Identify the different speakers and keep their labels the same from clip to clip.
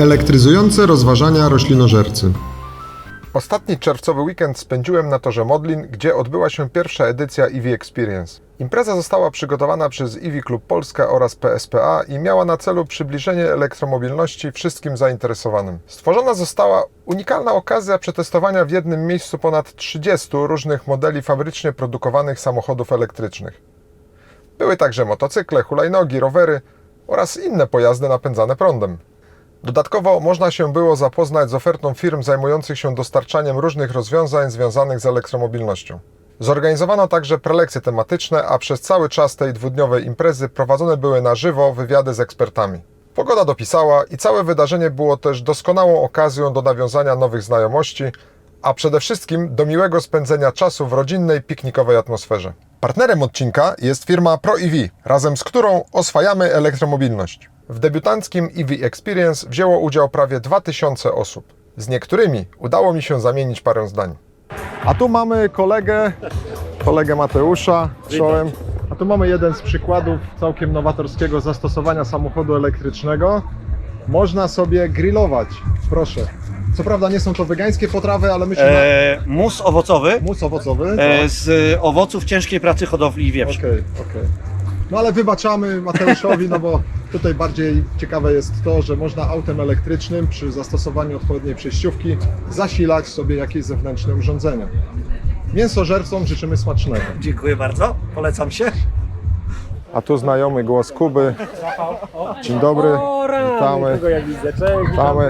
Speaker 1: Elektryzujące rozważania roślinożercy.
Speaker 2: Ostatni czerwcowy weekend spędziłem na torze Modlin, gdzie odbyła się pierwsza edycja EV Experience. Impreza została przygotowana przez EV Klub Polska oraz PSPA i miała na celu przybliżenie elektromobilności wszystkim zainteresowanym. Stworzona została unikalna okazja przetestowania w jednym miejscu ponad 30 różnych modeli fabrycznie produkowanych samochodów elektrycznych. Były także motocykle, hulajnogi, rowery oraz inne pojazdy napędzane prądem. Dodatkowo można się było zapoznać z ofertą firm zajmujących się dostarczaniem różnych rozwiązań związanych z elektromobilnością. Zorganizowano także prelekcje tematyczne, a przez cały czas tej dwudniowej imprezy prowadzone były na żywo wywiady z ekspertami. Pogoda dopisała i całe wydarzenie było też doskonałą okazją do nawiązania nowych znajomości, a przede wszystkim do miłego spędzenia czasu w rodzinnej, piknikowej atmosferze. Partnerem odcinka jest firma ProEV, razem z którą oswajamy elektromobilność. W debiutanckim EV Experience wzięło udział prawie 2000 osób. Z niektórymi udało mi się zamienić parę zdań. A tu mamy kolegę Mateusza, czołem. A tu mamy jeden z przykładów całkiem nowatorskiego zastosowania samochodu elektrycznego. Można sobie grillować, proszę. Co prawda nie są to wegańskie potrawy, ale myślę...
Speaker 3: Mus owocowy
Speaker 2: Mus owocowy. Tak.
Speaker 3: z owoców ciężkiej pracy hodowli wieprz.
Speaker 2: Okej. No ale wybaczamy Mateuszowi, no bo tutaj bardziej ciekawe jest to, że można autem elektrycznym przy zastosowaniu odpowiedniej przejściówki zasilać sobie jakieś zewnętrzne urządzenia. Mięsożercom życzymy smacznego.
Speaker 3: Dziękuję bardzo, polecam się.
Speaker 2: A tu znajomy głos Kuby. Dzień dobry, witamy. Witamy.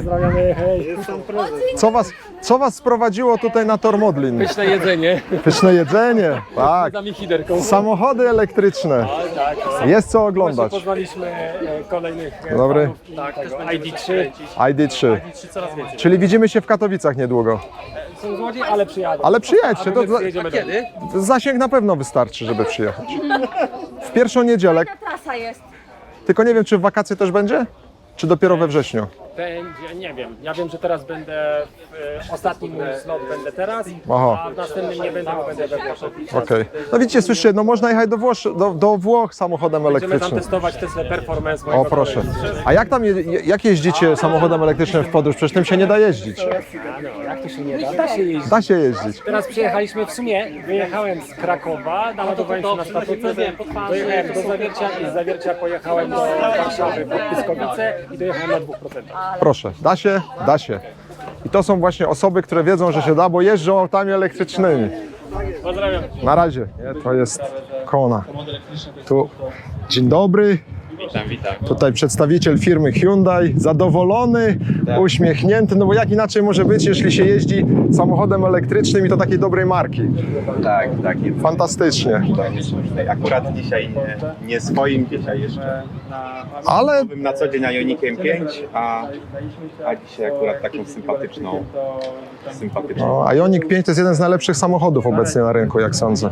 Speaker 2: Co was sprowadziło tutaj na tor Modlin?
Speaker 4: Pyszne jedzenie.
Speaker 2: Pyszne jedzenie, tak.
Speaker 4: Damy hiderką.
Speaker 2: Samochody elektryczne. Jest co oglądać.
Speaker 4: Poznaliśmy kolejnych
Speaker 2: Dobry.
Speaker 4: fanów, tak, tego ID3.
Speaker 2: ID3.
Speaker 4: Coraz więcej.
Speaker 2: Czyli widzimy się w Katowicach niedługo.
Speaker 4: Są złodziej, ale przyjadą.
Speaker 2: Ale przyjedźcie, to
Speaker 4: Jedziemy kiedy?
Speaker 2: zasięg na pewno wystarczy, żeby przyjechać. W pierwszą niedzielę,
Speaker 5: Jaka trasa jest?
Speaker 2: tylko nie wiem, czy w wakacje też będzie? Czy dopiero we wrześniu?
Speaker 4: Będzie, nie wiem. Ja wiem, że teraz będę w ostatnim mój slot będę teraz,
Speaker 2: Aha.
Speaker 4: a w następnym nie będę, bo będę we Włoszech.
Speaker 2: Okej. No widzicie, słyszycie, no można jechać do Włoch samochodem
Speaker 4: Będziemy tam
Speaker 2: elektrycznym.
Speaker 4: testować Tesla Performance mojego
Speaker 2: O proszę.
Speaker 4: kolegi.
Speaker 2: A jak tam, jak jeździcie samochodem elektrycznym w podróż? Przecież tym się nie da jeździć.
Speaker 4: No, jak to się nie da? Da się jeździć.
Speaker 2: Da się jeździć.
Speaker 4: Teraz przyjechaliśmy w sumie, wyjechałem z Krakowa, naładowałem się na stację, dojechałem do Zawiercia i z Zawiercia pojechałem do Warszawy pod Pyskowice i dojechałem na 2%.
Speaker 2: Proszę, da się, da się. I to są właśnie osoby, które wiedzą, że się da, bo jeżdżą autami elektrycznymi.
Speaker 4: Pozdrawiam.
Speaker 2: Na razie. To jest Kona. Tu. Dzień dobry.
Speaker 6: Witam.
Speaker 2: Tutaj przedstawiciel firmy Hyundai, zadowolony, uśmiechnięty, no bo jak inaczej może być, jeśli się jeździ samochodem elektrycznym i to takiej dobrej marki.
Speaker 6: Tak.
Speaker 2: Fantastycznie.
Speaker 6: Akurat dzisiaj nie swoim, dzisiaj jeszcze
Speaker 2: Ale
Speaker 6: na co dzień Ioniqiem 5, a dzisiaj akurat taką sympatyczną.
Speaker 2: no, Ioniq 5 to jest jeden z najlepszych samochodów obecnie na rynku, jak sądzę.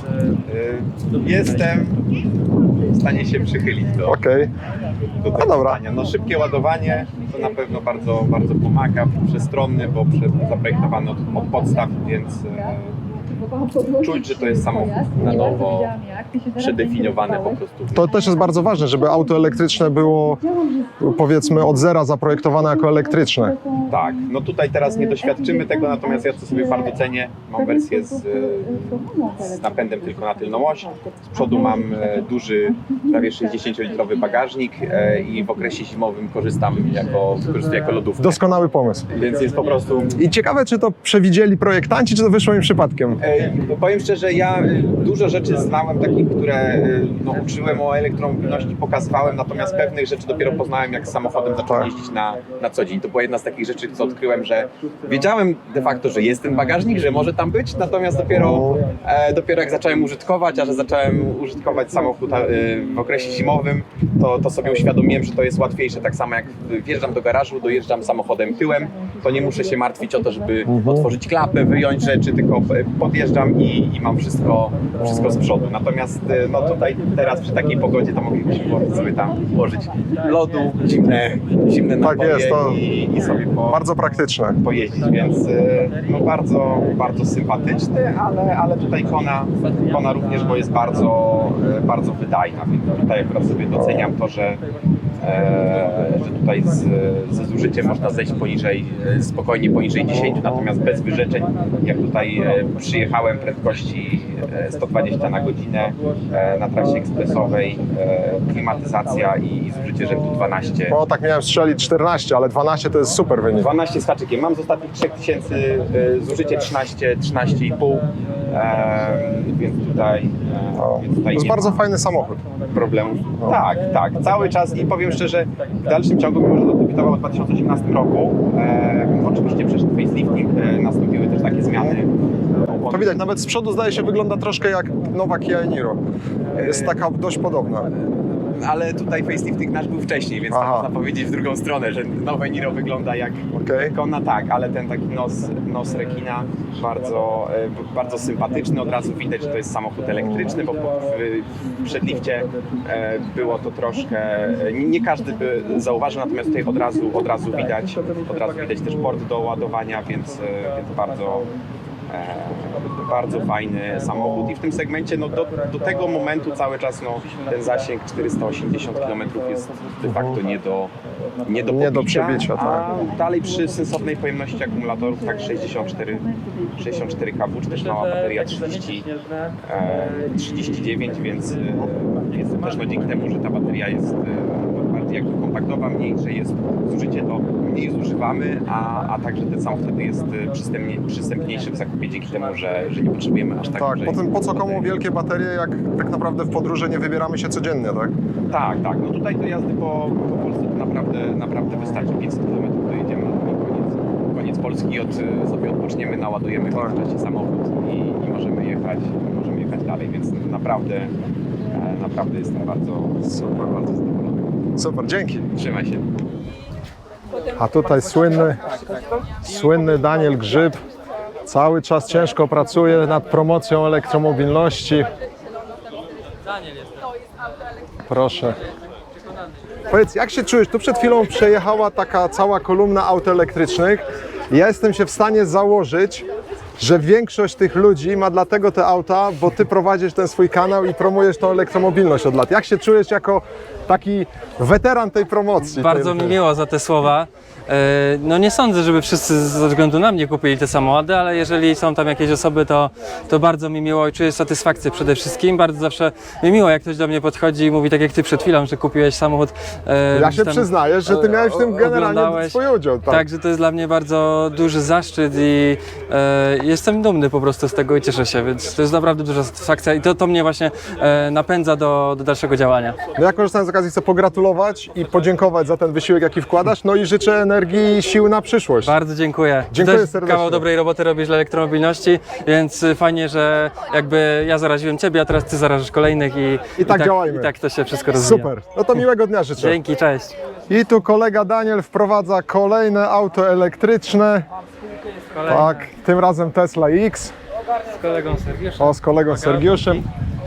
Speaker 6: Jestem w stanie się przychylić do
Speaker 2: Okej.
Speaker 6: tego
Speaker 2: dobra.
Speaker 6: zdania. No, szybkie ładowanie to na pewno bardzo pomaga, przestronny, bo zaprojektowany od podstaw, więc czuć, że to jest samochód na nowo przedefiniowany po prostu.
Speaker 2: To też jest bardzo ważne, żeby auto elektryczne było, powiedzmy, od zera zaprojektowane jako elektryczne.
Speaker 6: Tak, no tutaj teraz nie doświadczymy tego, natomiast ja to sobie bardzo cenię. Mam wersję z napędem tylko na tylną oś. Z przodu mam duży, prawie 60-litrowy bagażnik i w okresie zimowym wykorzystuję jako lodówkę.
Speaker 2: Doskonały pomysł.
Speaker 6: Więc jest po prostu...
Speaker 2: I ciekawe, czy to przewidzieli projektanci, czy to wyszło im przypadkiem.
Speaker 6: Powiem szczerze, ja dużo rzeczy znałem takich, które uczyłem o elektromobilności, pokazywałem, natomiast pewnych rzeczy dopiero poznałem, jak z samochodem zacząłem jeździć na co dzień. To była jedna z takich rzeczy, co odkryłem, że wiedziałem de facto, że jest ten bagażnik, że może tam być, natomiast dopiero jak zacząłem użytkować, a że zacząłem użytkować samochód w okresie zimowym, to sobie uświadomiłem, że to jest łatwiejsze. Tak samo jak wjeżdżam do garażu, dojeżdżam samochodem tyłem, to nie muszę się martwić o to, żeby otworzyć klapę, wyjąć rzeczy, tylko podjeżdżam i mam wszystko z przodu. Natomiast tutaj teraz przy takiej pogodzie to moglibyśmy sobie tam włożyć lodu, zimne napoje
Speaker 2: jest, to
Speaker 6: i sobie
Speaker 2: bardzo praktyczne.
Speaker 6: pojeździć, więc bardzo sympatyczny, ale tutaj Kona również, bo jest bardzo wydajna, więc tutaj akurat sobie doceniam to, że że tutaj ze zużyciem można zejść spokojnie poniżej 10, natomiast bez wyrzeczeń, jak tutaj przyjechałem prędkości 120 na godzinę na trasie ekspresowej, klimatyzacja i zużycie rzędu 12.
Speaker 2: O, tak miałem strzelić 14, ale 12 to jest super wynik.
Speaker 6: 12 z haczykiem. Mam z ostatnich 3000 zużycie 13,5, więc tutaj
Speaker 2: To jest
Speaker 6: nie
Speaker 2: bardzo
Speaker 6: ma
Speaker 2: fajny samochód.
Speaker 6: problemów. Tak, cały czas i powiem szczerze, w dalszym ciągu, mimo że zadebiutował w 2018 roku, oczywiście przeszedł facelifting, nastąpiły też takie zmiany.
Speaker 2: To widać, nawet z przodu zdaje się wygląda troszkę jak nowa Kia Niro. Jest taka dość podobna.
Speaker 6: Ale tutaj facelifting nasz był wcześniej, więc
Speaker 2: Aha.
Speaker 6: można powiedzieć w drugą stronę, że nowe Niro wygląda jak
Speaker 2: Okej.
Speaker 6: Kona, tak, ale ten taki nos rekina bardzo sympatyczny. Od razu widać, że to jest samochód elektryczny, bo w przedlifcie było to troszkę, nie każdy by zauważył, natomiast tutaj od razu widać też port do ładowania, więc bardzo fajny samochód i w tym segmencie do tego momentu cały czas ten zasięg 480 km jest de facto nie do
Speaker 2: przebicia, tak.
Speaker 6: a dalej przy sensownej pojemności akumulatorów tak 64 kW, czy też mała bateria 39, więc to też dzięki temu, że ta bateria jest bardziej jakby kompaktowa, mniejsze jest zużycie, to mniej zużywamy, a także ten samochód wtedy jest przystępniejszy w zakupie dzięki temu, że nie potrzebujemy aż tak
Speaker 2: Tak,
Speaker 6: dużej
Speaker 2: potem po co komu
Speaker 6: baterii.
Speaker 2: wielkie baterie, jak tak naprawdę w podróże nie wybieramy się codziennie, tak?
Speaker 6: Tak. No tutaj do jazdy po Polsce to naprawdę wystarczy 500 km, dojedziemy na koniec Polski, sobie odpoczniemy, naładujemy w międzyczasie samochód i możemy jechać dalej, więc naprawdę jestem bardzo zadowolony.
Speaker 2: Super, dzięki.
Speaker 6: Trzymaj się.
Speaker 2: A tutaj słynny Daniel Grzyb cały czas ciężko pracuje nad promocją elektromobilności. Proszę. Powiedz, jak się czujesz? Tu przed chwilą przejechała taka cała kolumna aut elektrycznych. Ja jestem się w stanie założyć, że większość tych ludzi ma dlatego te auta, bo ty prowadzisz ten swój kanał i promujesz tą elektromobilność od lat. Jak się czujesz jako taki weteran tej promocji?
Speaker 5: Bardzo mi miło za te słowa. No nie sądzę, żeby wszyscy ze względu na mnie kupili te samochody, ale jeżeli są tam jakieś osoby, to bardzo mi miło i czuję satysfakcję przede wszystkim. Bardzo zawsze mi miło, jak ktoś do mnie podchodzi i mówi tak jak ty przed chwilą, że kupiłeś samochód.
Speaker 2: Ja się przyznaję, że ty miałeś w tym generalnie
Speaker 5: oglądałeś.
Speaker 2: swój udział. Tak.
Speaker 5: Także to jest dla mnie bardzo duży zaszczyt i jestem dumny po prostu z tego i cieszę się, więc to jest naprawdę duża satysfakcja i to mnie właśnie napędza do dalszego działania.
Speaker 2: No ja korzystając z okazji chcę pogratulować i podziękować za ten wysiłek, jaki wkładasz, no i życzę energii i sił na przyszłość.
Speaker 5: Bardzo dziękuję.
Speaker 2: Dziękuję
Speaker 5: Też
Speaker 2: serdecznie.
Speaker 5: kawał dobrej roboty robisz dla elektromobilności, więc fajnie, że jakby ja zaraziłem ciebie, a teraz ty zarażasz kolejnych i
Speaker 2: tak działajmy.
Speaker 5: I tak to się wszystko rozwija.
Speaker 2: Super, no to miłego dnia życzę.
Speaker 5: Dzięki, cześć.
Speaker 2: I tu kolega Daniel wprowadza kolejne auto elektryczne. Tak, tym razem Tesla X.
Speaker 5: Z kolegą Sergiuszem.
Speaker 2: O, z kolegą Sergiuszem.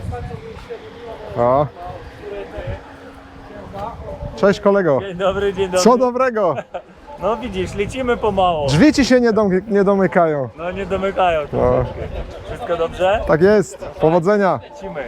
Speaker 2: O. Cześć kolego.
Speaker 7: Dzień dobry, dzień dobry.
Speaker 2: Co dobrego?
Speaker 7: No widzisz, lecimy pomału.
Speaker 2: Drzwi ci się nie domykają.
Speaker 7: No nie domykają troszeczkę. Wszystko dobrze?
Speaker 2: Tak jest. Powodzenia.
Speaker 7: Lecimy.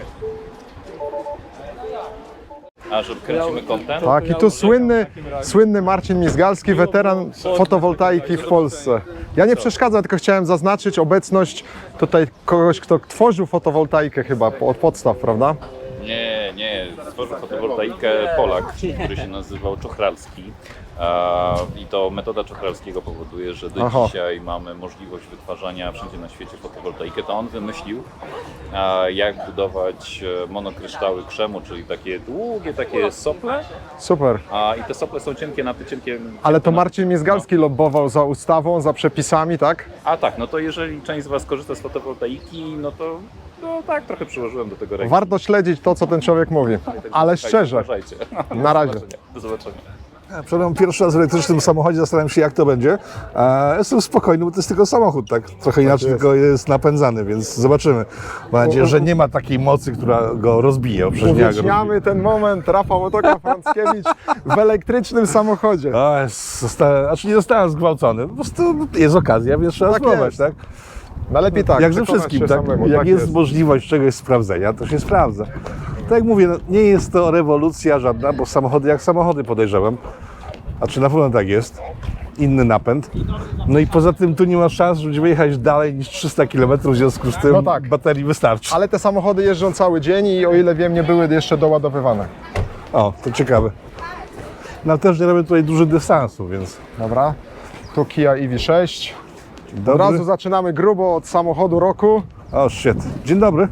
Speaker 8: A że kręcimy content?
Speaker 2: Tak, i tu słynny Marcin Mizgalski, weteran fotowoltaiki w Polsce. Ja nie przeszkadzam, tylko chciałem zaznaczyć obecność tutaj kogoś, kto tworzył fotowoltaikę chyba od podstaw, prawda?
Speaker 8: Nie. Stworzył fotowoltaikę Polak, który się nazywał Czochralski. I to metoda Czochralskiego powoduje, że do dzisiaj mamy możliwość wytwarzania wszędzie na świecie fotowoltaikę. To on wymyślił, jak budować monokryształy krzemu, czyli takie długie takie sople.
Speaker 2: Super.
Speaker 8: I te sople są cienkie na cienkie.
Speaker 2: Ale to Marcin Mizgalski lobbował za ustawą, za przepisami, tak?
Speaker 8: A tak, no to jeżeli część z Was korzysta z fotowoltaiki, no to tak, trochę przyłożyłem do tego ręki.
Speaker 2: Warto śledzić to, co ten człowiek mówi. Ale szczerze.
Speaker 8: Uważajcie.
Speaker 2: Na razie.
Speaker 8: Do zobaczenia.
Speaker 9: Wszedłem pierwszy raz w elektrycznym samochodzie, zastanawiam się jak to będzie. Jestem spokojny, bo to jest tylko samochód, tak? Trochę inaczej tylko jest napędzany, więc zobaczymy. Mam nadzieję, że nie ma takiej mocy, która go rozbije.
Speaker 2: Uwieczniamy ten moment. Rafał Otoka-Frąckiewicz w elektrycznym samochodzie.
Speaker 9: Znaczy nie zostałem zgwałcony, po prostu jest okazja, więc trzeba
Speaker 2: Tak
Speaker 9: spróbować,
Speaker 2: jest.
Speaker 9: tak?
Speaker 2: No lepiej tak.
Speaker 9: Jak ze
Speaker 2: przekonać
Speaker 9: wszystkim,
Speaker 2: się
Speaker 9: tak?
Speaker 2: samemu,
Speaker 9: Jak
Speaker 2: tak
Speaker 9: jest możliwość czegoś sprawdzenia, to się sprawdza. Tak jak mówię, no, nie jest to rewolucja żadna, bo samochody jak samochody podejrzewam. A czy na pewno tak jest? Inny napęd. No i poza tym tu nie ma szans, żeby jechać dalej niż 300 km, w związku z tym
Speaker 2: No tak.
Speaker 9: baterii wystarczy.
Speaker 2: Ale te samochody jeżdżą cały dzień i o ile wiem, nie były jeszcze doładowywane.
Speaker 9: O, to ciekawe. No też nie robię tutaj dużych dystansów, więc
Speaker 2: Dobra. Tu Kia EV6. Od
Speaker 9: dobry.
Speaker 2: razu zaczynamy grubo od samochodu roku.
Speaker 9: O, shit. Dzień dobry.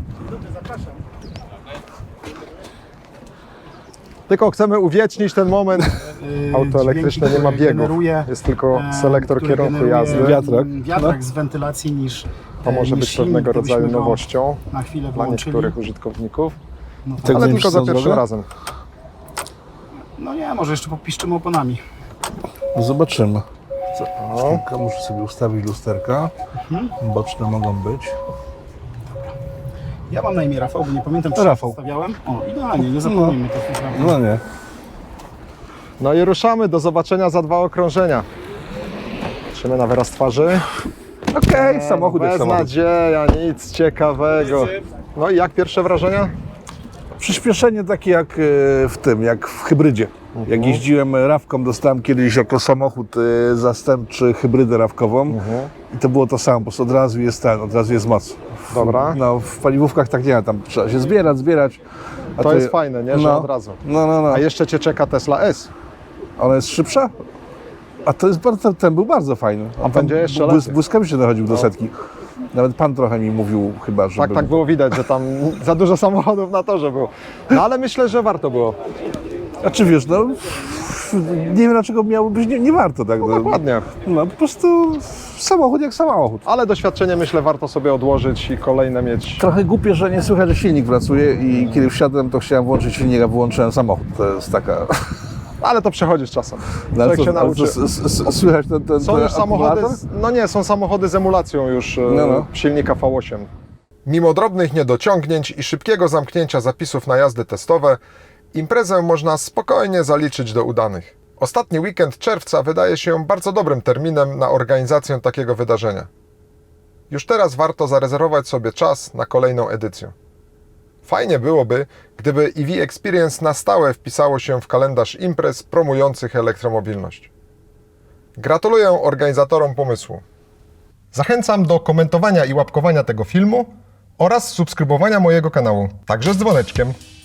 Speaker 2: Tylko chcemy uwiecznić ten moment. Auto elektryczne nie ma biegu. Jest tylko selektor kierunku jazdy.
Speaker 10: Wiatrak z wentylacji niż
Speaker 2: To może
Speaker 10: niż
Speaker 2: być
Speaker 10: silnik,
Speaker 2: pewnego
Speaker 10: to byśmy
Speaker 2: rodzaju
Speaker 10: go
Speaker 2: nowością
Speaker 10: na chwilę
Speaker 2: dla
Speaker 10: wyłączyli.
Speaker 2: niektórych użytkowników,
Speaker 10: No,
Speaker 9: Tak
Speaker 2: ale
Speaker 9: wiem,
Speaker 2: tylko
Speaker 9: czy
Speaker 2: za
Speaker 9: są
Speaker 2: pierwszym
Speaker 9: zdrowe?
Speaker 2: razem.
Speaker 10: no nie, może jeszcze popiszczymy oponami.
Speaker 9: No zobaczymy. Muszę sobie ustawić lusterka. Boczne mogą być.
Speaker 10: Ja mam na imię Rafał, bo nie pamiętam, czy
Speaker 9: Rafał.
Speaker 10: stawiałem. O, idealnie, nie zapomnijmy to.
Speaker 9: No nie.
Speaker 2: No i ruszamy. Do zobaczenia za 2 okrążenia. Patrzymy na wyraz twarzy.
Speaker 9: Okej, samochód jak
Speaker 2: Bez
Speaker 9: samochód.
Speaker 2: nadzieja, nic ciekawego. No i jak pierwsze wrażenia?
Speaker 9: Przyspieszenie takie jak w tym, jak w hybrydzie. Jak jeździłem rawką, dostałem kiedyś jako samochód zastępczy hybrydę rawkową i to było to samo, po prostu od razu jest moc.
Speaker 2: Dobra.
Speaker 9: No, w paliwówkach tak nie ma, tam trzeba się zbierać. A
Speaker 2: To jest fajne, nie? Że od razu.
Speaker 9: No.
Speaker 2: A jeszcze Cię czeka Tesla S.
Speaker 9: Ona jest szybsza? A to jest bardzo, ten był bardzo fajny.
Speaker 2: A będzie jeszcze lepiej.
Speaker 9: Błyskawicznie dochodził do setki. Nawet pan trochę mi mówił chyba, że
Speaker 2: Tak było widać, że tam za dużo samochodów na torze było. No ale myślę, że warto było.
Speaker 9: Znaczy wiesz, no nie wiem dlaczego miałoby być, nie warto tak. No,
Speaker 2: Dokładnie.
Speaker 9: no po prostu samochód jak samochód.
Speaker 2: Ale doświadczenie myślę warto sobie odłożyć i kolejne mieć.
Speaker 9: Trochę głupie, że nie słychać, że silnik pracuje i kiedy wsiadłem, to chciałem włączyć silnik, a wyłączyłem samochód. To jest taka...
Speaker 2: Ale to przechodzi z czasem.
Speaker 9: No, ale
Speaker 2: Człowiek się
Speaker 9: ale
Speaker 2: nauczy.
Speaker 9: słychać ten
Speaker 2: Są już samochody,
Speaker 9: akumulator?
Speaker 2: no nie, są samochody z emulacją już
Speaker 9: No.
Speaker 2: silnika V8. Mimo drobnych niedociągnięć i szybkiego zamknięcia zapisów na jazdy testowe, imprezę można spokojnie zaliczyć do udanych. Ostatni weekend czerwca wydaje się bardzo dobrym terminem na organizację takiego wydarzenia. Już teraz warto zarezerwować sobie czas na kolejną edycję. Fajnie byłoby, gdyby EV Experience na stałe wpisało się w kalendarz imprez promujących elektromobilność. Gratuluję organizatorom pomysłu. Zachęcam do komentowania i łapkowania tego filmu oraz subskrybowania mojego kanału, także z dzwoneczkiem.